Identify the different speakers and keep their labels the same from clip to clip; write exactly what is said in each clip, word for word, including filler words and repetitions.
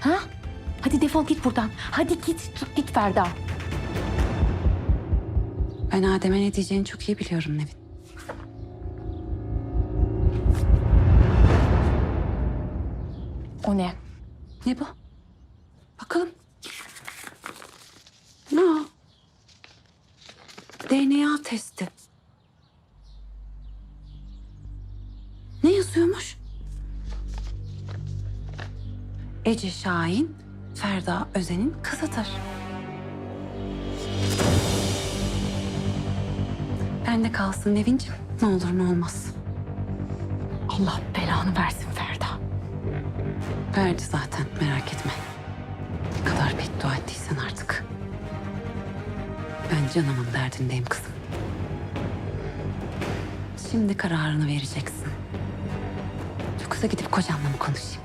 Speaker 1: Ha? Hadi defol git buradan. Hadi git, çık git Ferda.
Speaker 2: Ben Adem'e ne diyeceğini çok iyi biliyorum Nevin.
Speaker 1: O ne?
Speaker 2: Ne bu? Bakalım. Ne o? D N A testi. Ne yazıyormuş? Ece Şahin, Ferda Özen'in kızıdır. Bende kalsın Nevin'ciğim. Ne olur ne olmaz.
Speaker 1: Allah belanı versin Ferda.
Speaker 2: Verdi zaten, merak etme. Ne kadar beddua ettiysen artık. Ben canımın derdindeyim kızım. Şimdi kararını vereceksin. Yoksa gidip kocanla mı konuşayım?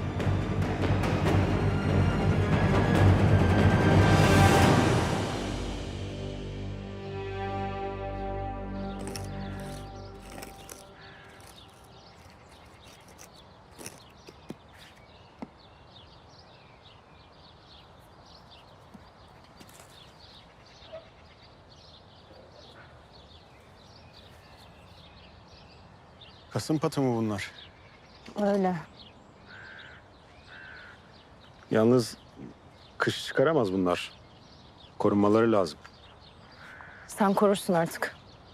Speaker 3: Kasım patı mı bunlar?
Speaker 1: Öyle.
Speaker 3: Yalnız kış çıkaramaz bunlar. Korunmaları lazım.
Speaker 1: Sen korursun artık.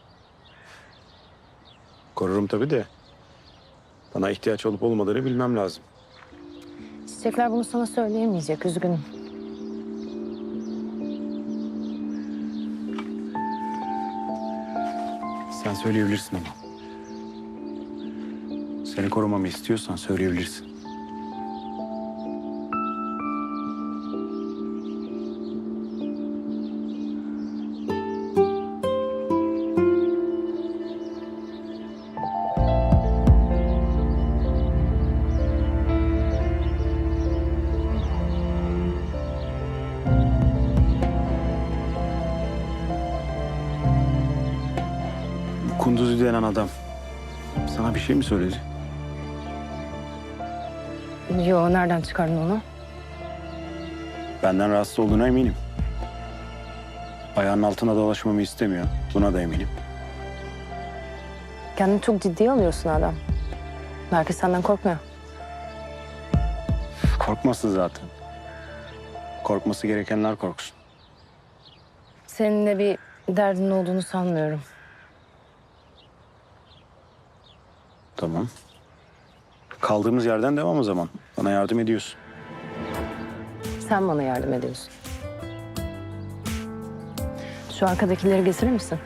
Speaker 3: Korurum tabii de. Bana ihtiyaç olup olmadığını bilmem lazım.
Speaker 1: Çiçekler bunu sana söyleyemeyecek, üzgünüm.
Speaker 3: Sen söyleyebilirsin ama. Seni korumamı istiyorsan söyleyebilirsin. Bu Kunduzi denen adam sana bir şey mi söyledi?
Speaker 1: Yo, nereden çıkardın onu?
Speaker 3: Benden rahatsız olduğuna eminim. Ayağının altına dolaşmamı istemiyor. Buna da eminim.
Speaker 1: Kendini çok ciddiye alıyorsun adam. Herkes senden korkmuyor.
Speaker 3: Korkmasın zaten. Korkması gerekenler korksun.
Speaker 1: Senin de bir derdin olduğunu sanmıyorum.
Speaker 3: Tamam. Kaldığımız yerden devam o zaman. Bana yardım ediyorsun.
Speaker 1: Sen bana yardım ediyorsun. Şu arkadakileri getirir misin?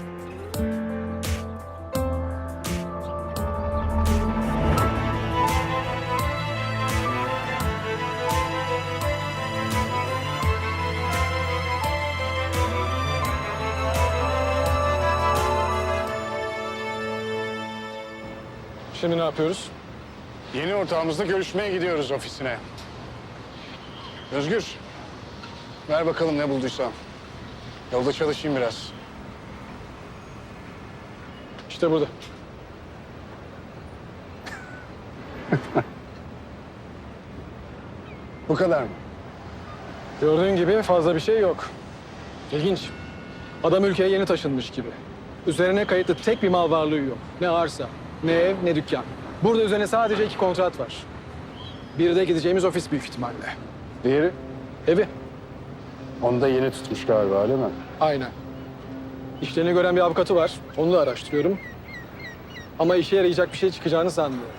Speaker 4: Şimdi ne yapıyoruz?
Speaker 5: Yeni ortağımızla görüşmeye gidiyoruz ofisine. Özgür, ver bakalım ne bulduysan. Yolda çalışayım biraz.
Speaker 4: İşte burada.
Speaker 5: Bu kadar mı?
Speaker 4: Gördüğün gibi fazla bir şey yok. İlginç. Adam ülkeye yeni taşınmış gibi. Üzerine kayıtlı tek bir mal varlığı yok. Ne arsa, ne ev, ne dükkan. Burada üzerine sadece iki kontrat var. Biri de gideceğimiz ofis büyük ihtimalle.
Speaker 5: Diğeri?
Speaker 4: Evi.
Speaker 5: Onu da yeni tutmuş galiba, değil mi?
Speaker 4: Aynen. İşlerini gören bir avukatı var. Onu da araştırıyorum. Ama işe yarayacak bir şey çıkacağını sanmıyorum.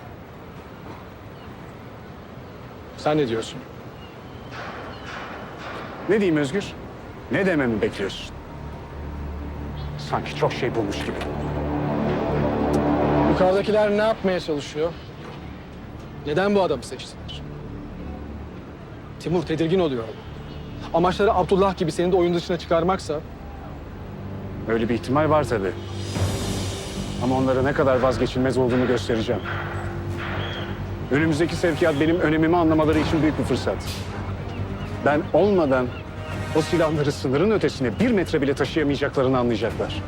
Speaker 4: Sen ne diyorsun?
Speaker 5: Ne diyeyim Özgür? Ne dememi bekliyorsun? Sanki çok şey bulmuş gibi.
Speaker 4: Yukarıdakiler ne yapmaya çalışıyor? Neden bu adamı seçtiler? Timur tedirgin oluyor. Amaçları Abdullah gibi seni de oyun dışına çıkarmaksa...
Speaker 5: Öyle bir ihtimal var tabii. Ama onlara ne kadar vazgeçilmez olduğunu göstereceğim. Önümüzdeki sevkiyat benim önemimi anlamaları için büyük bir fırsat. Ben olmadan o silahları sınırın ötesine bir metre bile taşıyamayacaklarını anlayacaklar.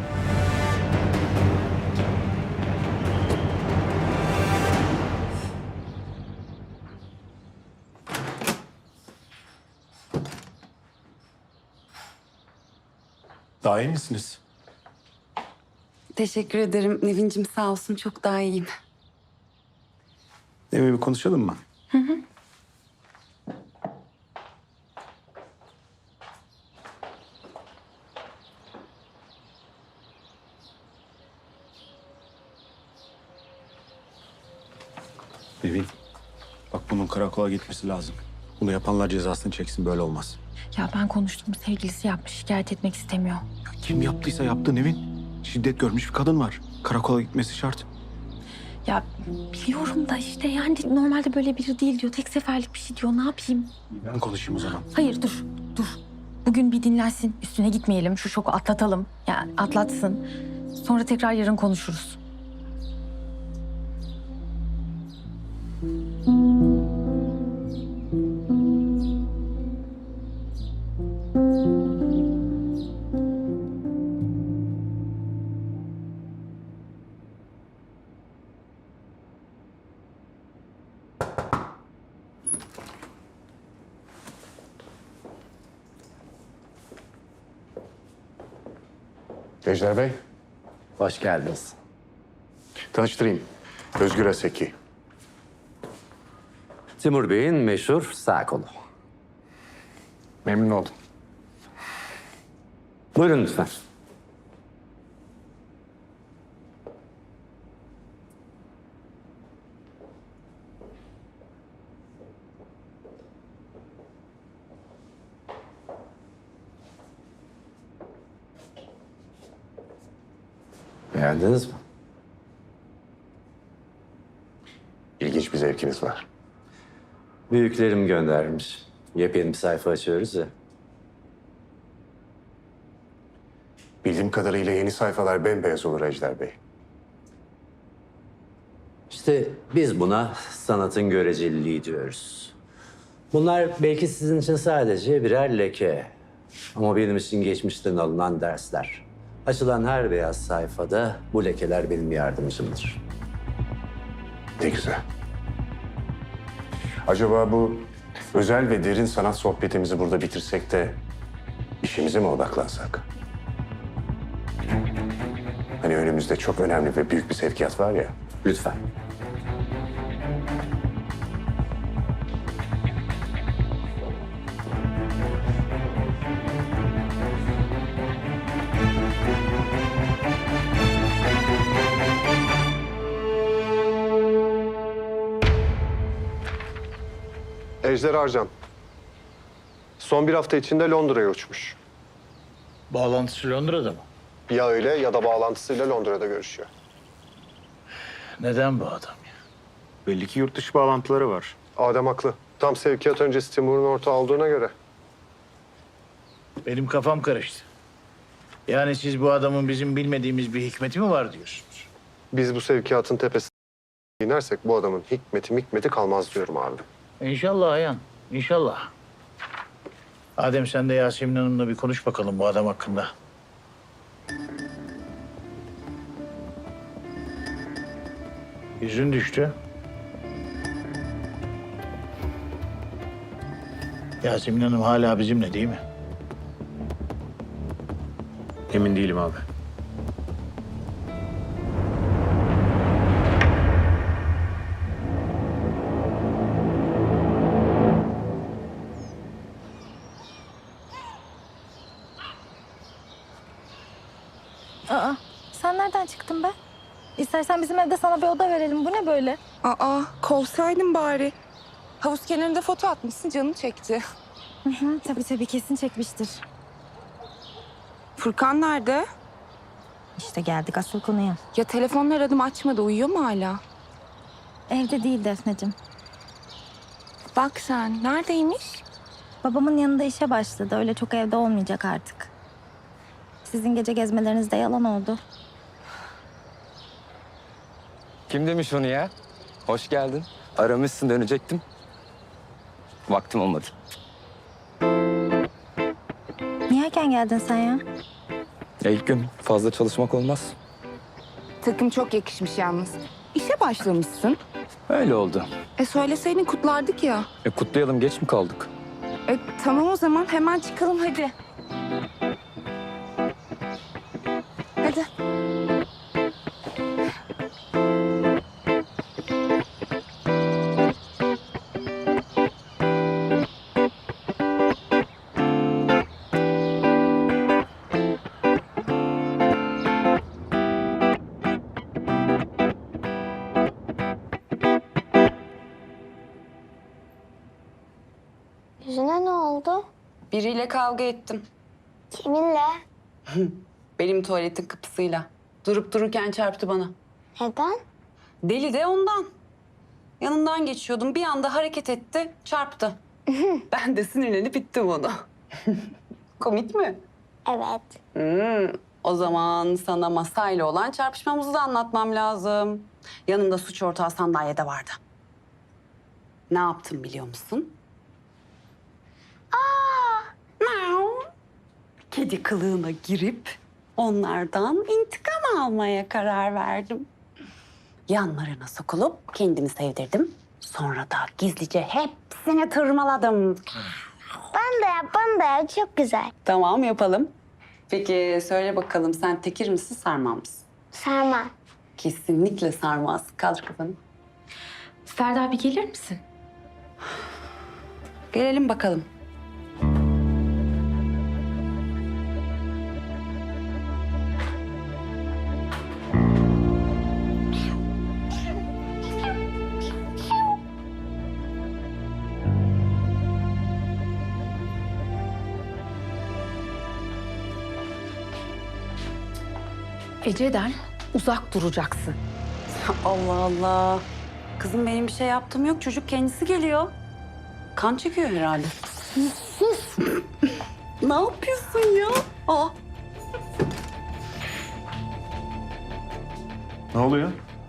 Speaker 3: Daha iyi misiniz?
Speaker 2: Teşekkür ederim. Nevin'cim sağ olsun çok daha iyiyim.
Speaker 3: Eve bir konuşalım mı? Hı hı. Nevin, bak bunun karakola gitmesi lazım. Bunu yapanlar cezasını çeksin, böyle olmaz.
Speaker 1: Ya ben konuştum. Sevgilisi yapmış. Şikayet etmek istemiyor.
Speaker 3: Ya kim yaptıysa yaptı Nevin. Şiddet görmüş bir kadın var. Karakola gitmesi şart.
Speaker 1: Ya biliyorum da işte yani normalde böyle biri değil diyor. Tek seferlik bir şey diyor. Ne yapayım?
Speaker 3: Ben konuşayım o zaman.
Speaker 1: Hayır dur. Dur. Bugün bir dinlensin. Üstüne gitmeyelim. Şu şoku atlatalım. Yani atlatsın. Sonra tekrar yarın konuşuruz.
Speaker 5: Ejder Bey,
Speaker 6: Hoş geldiniz.
Speaker 5: tanıştırayım. Özgür Aseki.
Speaker 6: Timur Bey'in meşhur sağ kolu.
Speaker 5: Memnun oldum.
Speaker 6: Buyurun lütfen. Beğendiniz mi?
Speaker 5: İlginç bir zevkiniz var.
Speaker 6: Büyüklerim göndermiş. Yepyeni bir sayfa açıyoruz ya.
Speaker 5: Bildiğim kadarıyla yeni sayfalar bembeyaz olur Ejder Bey.
Speaker 6: İşte biz buna sanatın göreceliliği diyoruz. Bunlar belki sizin için sadece birer leke. Ama benim için geçmişten alınan dersler. Açılan her beyaz sayfada bu lekeler benim yardımcımdır.
Speaker 5: Ne güzel. Acaba bu özel ve derin sanat sohbetimizi burada bitirsek de işimize mi odaklansak? Hani önümüzde çok önemli ve büyük bir sevkiyat var ya.
Speaker 6: Lütfen.
Speaker 7: Ejder Arcan. Son bir hafta içinde Londra'ya uçmuş.
Speaker 8: Bağlantısı Londra'da mı?
Speaker 7: Ya öyle ya da bağlantısıyla Londra'da görüşüyor.
Speaker 8: Neden bu adam ya?
Speaker 3: Belli ki yurt dışı bağlantıları var.
Speaker 7: Adem haklı. Tam sevkiyat öncesi Timur'un ortağı olduğuna göre.
Speaker 8: Benim kafam karıştı. Yani siz bu adamın bizim bilmediğimiz bir hikmeti mi var diyorsunuz?
Speaker 7: Biz bu sevkiyatın tepesine inersek bu adamın hikmeti mikmeti kalmaz diyorum abi.
Speaker 8: İnşallah Ayhan, inşallah. Adem sen de Yasemin Hanım'la bir konuş bakalım bu adam hakkında. Yüzün düştü. Yasemin Hanım hala bizimle değil mi?
Speaker 3: Emin değilim abi.
Speaker 1: Aa, sen nereden çıktın be? İstersen bizim evde sana bir oda verelim. Bu ne böyle?
Speaker 9: Aa, kovsaydın bari. Havuz kenarında foto atmışsın, canım çekti.
Speaker 1: Hı hı, tabii tabii kesin çekmiştir.
Speaker 9: Furkan nerede?
Speaker 1: İşte geldik asıl konuya.
Speaker 9: Ya telefonla aradım açmadı, uyuyor mu hala?
Speaker 1: Evde değil Defneciğim.
Speaker 9: Bak sen, neredeymiş?
Speaker 1: Babamın yanında işe başladı. Öyle çok evde olmayacak artık. Sizin gece gezmeleriniz de yalan oldu.
Speaker 10: Kim demiş onu ya? Hoş geldin. Aramışsın, dönecektim. Vaktim olmadı.
Speaker 1: Niye erken geldin sen ya?
Speaker 10: Ya ilk gün fazla çalışmak olmaz.
Speaker 9: Takım çok yakışmış yalnız. İşe başlamışsın.
Speaker 10: Öyle oldu.
Speaker 9: E söyleseydin kutlardık ya.
Speaker 10: E kutlayalım, geç mi kaldık?
Speaker 9: E tamam o zaman hemen çıkalım hadi.
Speaker 11: Hadi. Yüzüne ne oldu?
Speaker 2: Biriyle kavga ettim.
Speaker 11: Kiminle?
Speaker 2: Benim tuvaletin kapısıyla. Durup dururken çarptı bana.
Speaker 11: Neden?
Speaker 2: Deli de ondan. Yanından geçiyordum. Bir anda hareket etti, çarptı. Ben de sinirlenip ittim onu. Komik mi?
Speaker 11: Evet.
Speaker 2: Hmm, o zaman sana masayla olan çarpışmamızı da anlatmam lazım. Yanımda suç ortağı sandalyede vardı. Ne yaptım biliyor musun? Aa! Kedi kılığına girip onlardan intikam almaya karar verdim. Yanlarına sokulup kendimi sevdirdim. Sonra da gizlice hepsini tırmaladım.
Speaker 11: Ben de yap, ben de yap. Çok güzel.
Speaker 2: Tamam, yapalım. Peki söyle bakalım, sen tekir misin, sarmam mısın?
Speaker 11: Sarma.
Speaker 2: Kesinlikle sarmaz. Kaldır kafanı.
Speaker 1: Ferda bir gelir misin?
Speaker 2: Gelelim bakalım.
Speaker 1: Ece'den uzak duracaksın.
Speaker 2: Allah Allah. Kızım benim bir şey yaptığım yok. Çocuk kendisi geliyor. Kan çekiyor herhalde. Ne yapıyorsun ya? Aa,
Speaker 3: Ne oluyor?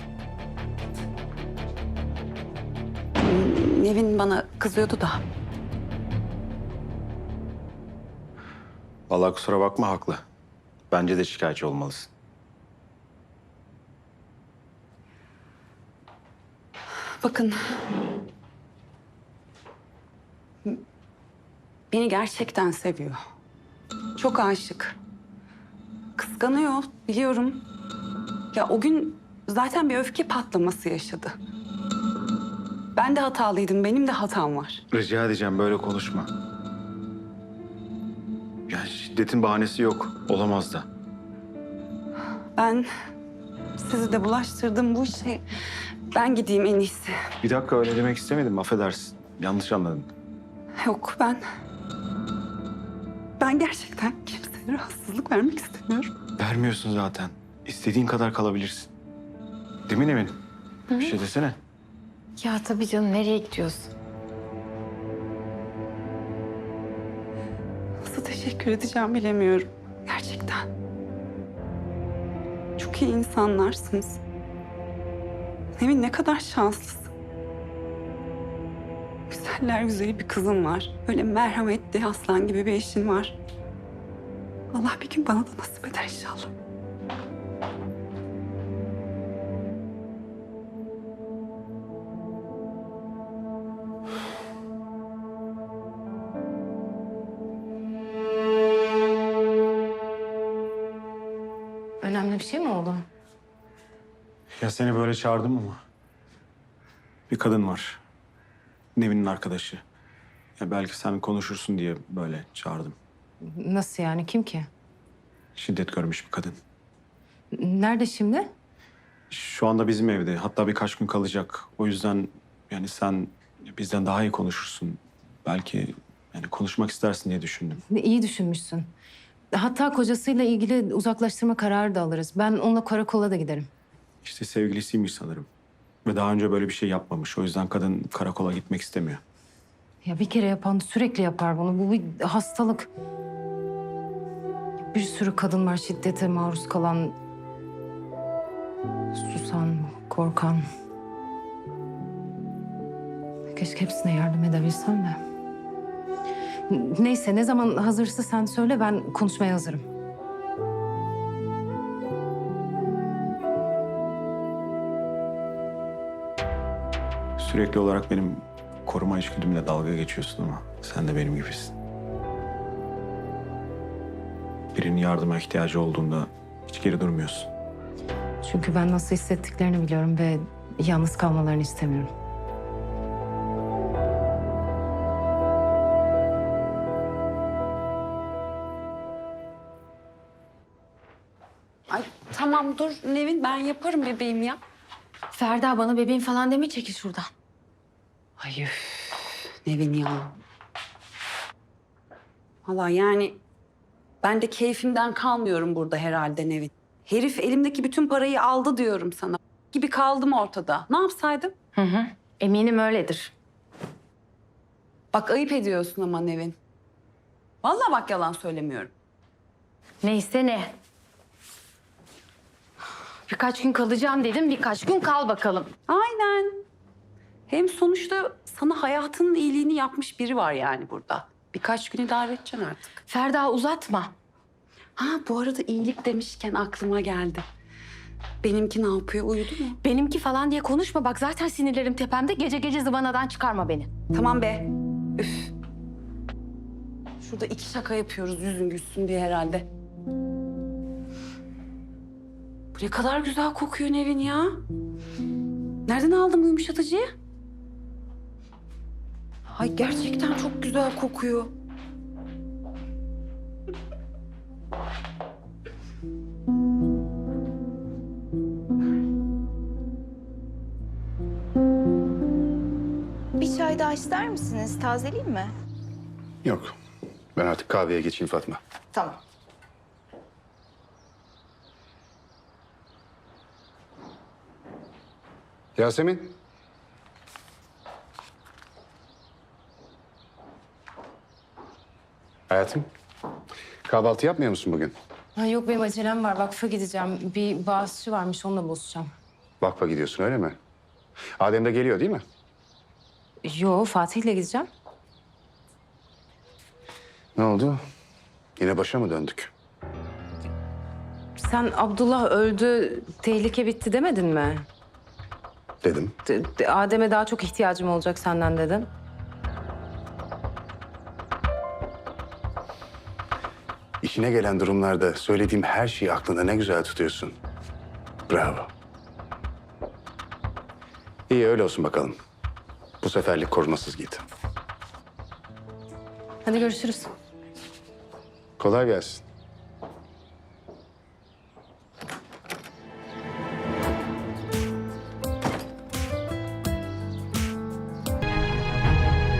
Speaker 2: Nevin bana kızıyordu da.
Speaker 3: Vallahi kusura bakma, haklı. Bence de şikayetçi olmalısın.
Speaker 2: Bakın. Beni gerçekten seviyor. Çok aşık. Kıskanıyor, biliyorum. Ya o gün zaten bir öfke patlaması yaşadı. Ben de hatalıydım, benim de hatam var.
Speaker 3: Rica edeceğim, böyle konuşma. Yani şiddetin bahanesi yok. Olamaz da.
Speaker 2: Ben sizi de bulaştırdım bu işe. Ben gideyim en iyisi.
Speaker 3: Bir dakika, öyle demek istemedim. Affedersin. Yanlış anladın.
Speaker 2: Yok ben... Ben gerçekten kimseye rahatsızlık vermek istemiyorum.
Speaker 3: Vermiyorsun zaten. İstediğin kadar kalabilirsin. Değil mi Nevin? Bir şey desene.
Speaker 1: Ya tabii canım, nereye gidiyorsun?
Speaker 2: Nasıl teşekkür edeceğim bilemiyorum. Gerçekten. Çok iyi insanlarsınız. Nevin ne kadar şanslısın. Güzeller güzeli bir kızın var. Öyle merhametli, aslan gibi bir eşin var. Allah bir gün bana da nasip eder inşallah.
Speaker 1: Önemli bir şey mi oldu?
Speaker 3: Ya seni böyle çağırdım ama. Bir kadın var. Nevin'in arkadaşı. Ya belki sen konuşursun diye böyle çağırdım.
Speaker 12: Nasıl yani? Kim ki?
Speaker 3: Şiddet görmüş bir kadın.
Speaker 12: Nerede şimdi?
Speaker 3: Şu anda bizim evde. Hatta birkaç gün kalacak. O yüzden yani sen bizden daha iyi konuşursun. Belki yani konuşmak istersin diye düşündüm.
Speaker 12: İyi düşünmüşsün. Hatta kocasıyla ilgili uzaklaştırma kararı da alırız. Ben onunla karakola da giderim.
Speaker 3: İşte sevgilisiymiş sanırım. Ve daha önce böyle bir şey yapmamış. O yüzden kadın karakola gitmek istemiyor.
Speaker 12: Ya bir kere yapan sürekli yapar bunu. Bu bir hastalık. Bir sürü kadın var şiddete maruz kalan. Susan, korkan. Keşke hepsine yardım edebilsem de. Neyse, ne zaman hazırsa sen söyle, ben konuşmaya hazırım.
Speaker 3: Sürekli olarak benim koruma içgüdümle dalga geçiyorsun ama sen de benim gibisin. Birinin yardıma ihtiyacı olduğunda Hiç geri durmuyorsun.
Speaker 12: Çünkü ben nasıl hissettiklerini biliyorum ve yalnız kalmalarını istemiyorum.
Speaker 2: Ay tamam dur Nevin, ben yaparım bebeğim ya.
Speaker 1: Ferda bana bebeğim falan deme, çekil şuradan.
Speaker 2: Ay üf, Nevin ya. Valla yani ben de keyfimden kalmıyorum burada herhalde Nevin. Herif elimdeki bütün parayı aldı diyorum sana. Gibi kaldım ortada. Ne yapsaydım?
Speaker 1: Hı hı. Eminim öyledir.
Speaker 2: Bak ayıp ediyorsun ama Nevin. Vallahi bak yalan söylemiyorum.
Speaker 1: Neyse ne. Birkaç gün kalacağım dedim, birkaç gün kal bakalım.
Speaker 2: Aynen. Hem sonuçta sana hayatının iyiliğini yapmış biri var yani burada. Birkaç güne idare edeceksin artık.
Speaker 1: Ferda uzatma.
Speaker 2: Ha bu arada iyilik demişken aklıma geldi. Benimki ne yapıyor? Uyudu mu?
Speaker 1: Benimki falan diye konuşma. Bak zaten sinirlerim tepemde. Gece gece zıvanadan çıkarma beni.
Speaker 2: Tamam be. Üf. Şurada iki şaka yapıyoruz yüzün gülsün diye herhalde. Bu ne kadar güzel kokuyor Nevin ya. Nereden aldın bu yumuşatıcıyı? Ay gerçekten çok güzel kokuyor.
Speaker 9: Bir çay daha ister misiniz? Tazeleyeyim mi?
Speaker 5: Yok. Ben artık kahveye geçeyim Fatma.
Speaker 9: Tamam.
Speaker 5: Yasemin. Hayatım. Kahvaltı yapmıyor musun bugün?
Speaker 12: Ha, yok benim acelem var. Vakfa gideceğim. Bir bağışçı varmış, onunla buluşacağım.
Speaker 5: Vakfa gidiyorsun öyle mi? Adem de geliyor değil mi?
Speaker 12: Yo, Fatih'le gideceğim.
Speaker 5: Ne oldu? Yine başa mı döndük?
Speaker 12: Sen Abdullah öldü, tehlike bitti demedin mi?
Speaker 5: Dedim.
Speaker 12: D- d- Adem'e daha çok ihtiyacım olacak senden dedin.
Speaker 5: İşine gelen durumlarda söylediğim her şeyi aklında ne güzel tutuyorsun. Bravo. İyi öyle olsun bakalım. Bu seferlik korumasız git.
Speaker 12: Hadi görüşürüz.
Speaker 5: Kolay gelsin.